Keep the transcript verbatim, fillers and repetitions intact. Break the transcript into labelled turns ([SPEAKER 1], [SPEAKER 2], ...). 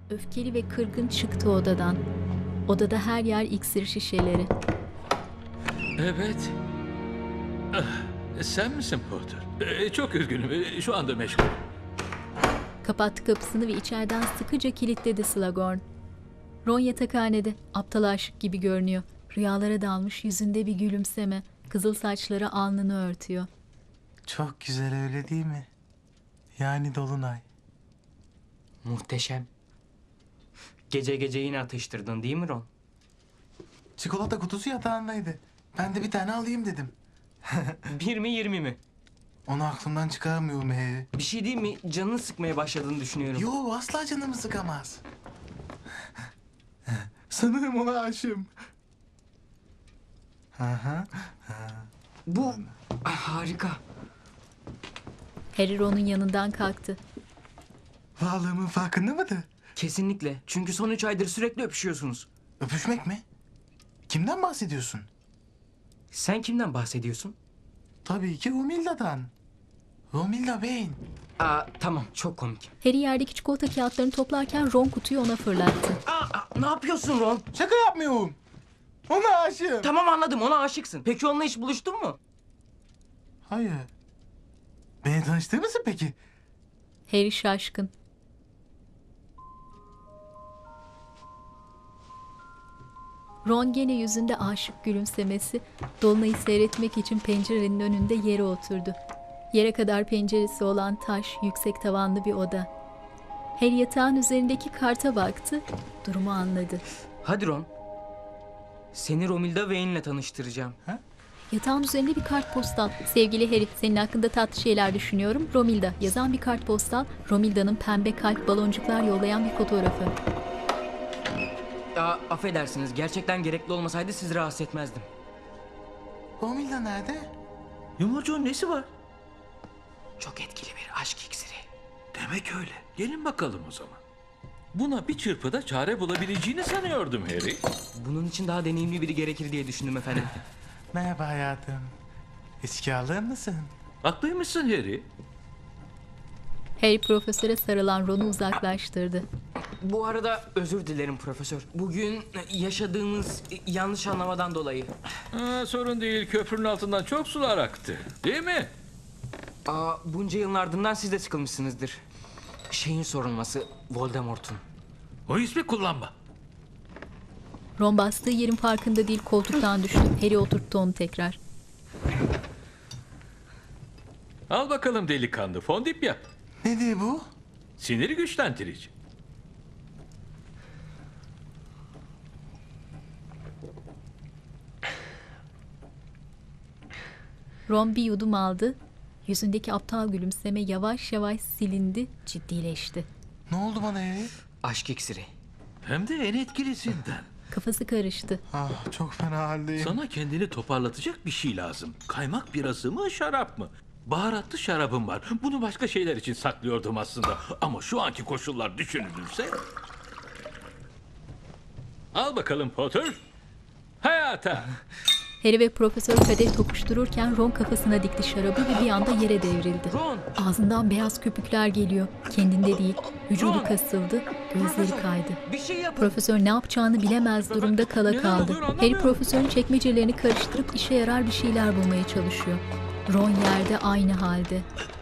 [SPEAKER 1] Öfkeli ve kırgın çıktı odadan. Odada her yer iksir şişeleri.
[SPEAKER 2] Evet. Ah, sen misin Potter? Ee, çok üzgünüm. Ee, Şu anda meşgul.
[SPEAKER 1] Kapattı kapısını ve içeriden sıkıca kilitledi Slughorn. Ron yatakhanede, aptal aşık gibi görünüyor. Rüyalara dalmış, yüzünde bir gülümseme. Kızıl saçları alnını örtüyor.
[SPEAKER 3] Çok güzel öyle değil mi? Yani dolunay.
[SPEAKER 4] Muhteşem. Gece gece yine atıştırdın değil mi Ron?
[SPEAKER 3] Çikolata kutusu yatağındaydı. Ben de bir tane alayım dedim.
[SPEAKER 4] Bir mi yirmi mi?
[SPEAKER 3] Onu aklımdan çıkaramıyorum Harry.
[SPEAKER 4] Bir şey değil mi? Canını sıkmaya başladığını düşünüyorum.
[SPEAKER 3] Yo, asla canımı sıkamaz. Sanırım ona aşığım. Aha.
[SPEAKER 4] Bu ah, harika.
[SPEAKER 1] Harry Ron'un yanından kalktı.
[SPEAKER 3] Varlığımın farkında mıdır?
[SPEAKER 4] Kesinlikle. Çünkü son üç aydır sürekli öpüşüyorsunuz.
[SPEAKER 3] Öpüşmek mi? Kimden bahsediyorsun?
[SPEAKER 4] Sen kimden bahsediyorsun?
[SPEAKER 3] Tabii ki Romilda'dan. Romilda Vane.
[SPEAKER 4] Aa, tamam çok komik.
[SPEAKER 1] Harry yerdeki çikolata kağıtlarını toplarken Ron kutuyu ona fırlattı.
[SPEAKER 4] Aa, aa, ne yapıyorsun Ron?
[SPEAKER 3] Şaka yapmıyorum. Ona aşığım.
[SPEAKER 4] Tamam anladım, ona aşıksın. Peki onunla hiç buluştun mu?
[SPEAKER 3] Hayır. Beni tanıştırır mısın peki?
[SPEAKER 1] Harry şaşkın. Ron gene yüzünde aşık gülümsemesi, dolunayı seyretmek için pencerenin önünde yere oturdu. Yere kadar penceresi olan taş, yüksek tavanlı bir oda. Harry yatağın üzerindeki karta baktı, durumu anladı.
[SPEAKER 4] Hadi Ron. Seni Romilda Vane'le tanıştıracağım.
[SPEAKER 1] Yatağın üzerinde bir kartpostal. Sevgili Harry, senin hakkında tatlı şeyler düşünüyorum. Romilda yazan bir kartpostal, Romilda'nın pembe kalp baloncuklar yollayan bir fotoğrafı.
[SPEAKER 4] Aa, affedersiniz, gerçekten gerekli olmasaydı sizi rahatsız etmezdim.
[SPEAKER 3] Romilda nerede?
[SPEAKER 2] Yumurcuğun nesi var?
[SPEAKER 4] Çok etkili bir aşk iksiri.
[SPEAKER 2] Demek öyle. Gelin bakalım o zaman. Buna bir çırpıda çare bulabileceğini sanıyordum Harry.
[SPEAKER 4] Bunun için daha deneyimli biri gerekir diye düşündüm efendim.
[SPEAKER 3] Merhaba hayatım. Eski alır mısın?
[SPEAKER 2] Haklıymışsın Harry.
[SPEAKER 1] Harry profesöre sarılan Ron'u uzaklaştırdı.
[SPEAKER 4] Bu arada özür dilerim profesör. Bugün yaşadığımız yanlış anlamadan dolayı.
[SPEAKER 2] Ha, sorun değil. Köprünün altından çok sular aktı. Değil mi?
[SPEAKER 4] Aa, bunca yılın ardından siz de sıkılmışsınızdır. Şeyin sorulması, Voldemort'un.
[SPEAKER 2] O ismi kullanma.
[SPEAKER 1] Ron bastığı yerin farkında değil, koltuktan düştü. Harry oturttu onu tekrar.
[SPEAKER 2] Al bakalım delikanlı. Fondip yap.
[SPEAKER 3] Nedir bu?
[SPEAKER 2] Siniri güçlendirici.
[SPEAKER 1] Ron bir yudum aldı. Yüzündeki aptal gülümseme yavaş yavaş silindi, ciddileşti.
[SPEAKER 3] Ne oldu bana Harry?
[SPEAKER 4] Aşk iksiri.
[SPEAKER 2] Hem de en etkilisinden.
[SPEAKER 1] Kafası karıştı.
[SPEAKER 3] Ah, çok fena haldeyim.
[SPEAKER 2] Sana kendini toparlatacak bir şey lazım. Kaymak birası mı, şarap mı? Baharatlı şarabım var. Bunu başka şeyler için saklıyordum aslında. Ama şu anki koşullar düşünülürse... Al bakalım Potter. Hayata.
[SPEAKER 1] Harry ve profesör kadeh tokuştururken Ron kafasına dikti şarabı ve bir anda yere devrildi.
[SPEAKER 4] Ron!
[SPEAKER 1] Ağzından beyaz köpükler geliyor. Kendinde değil. Vücudu
[SPEAKER 4] Ron!
[SPEAKER 1] kasıldı. Gözleri kaydı.
[SPEAKER 4] Bir şey yapın.
[SPEAKER 1] Profesör ne yapacağını bilemez durumda kala
[SPEAKER 2] Neler
[SPEAKER 1] kaldı.
[SPEAKER 2] oluyor anlamıyorum.
[SPEAKER 1] Harry profesörün çekmecelerini karıştırıp işe yarar bir şeyler bulmaya çalışıyor. Ron yerde aynı halde.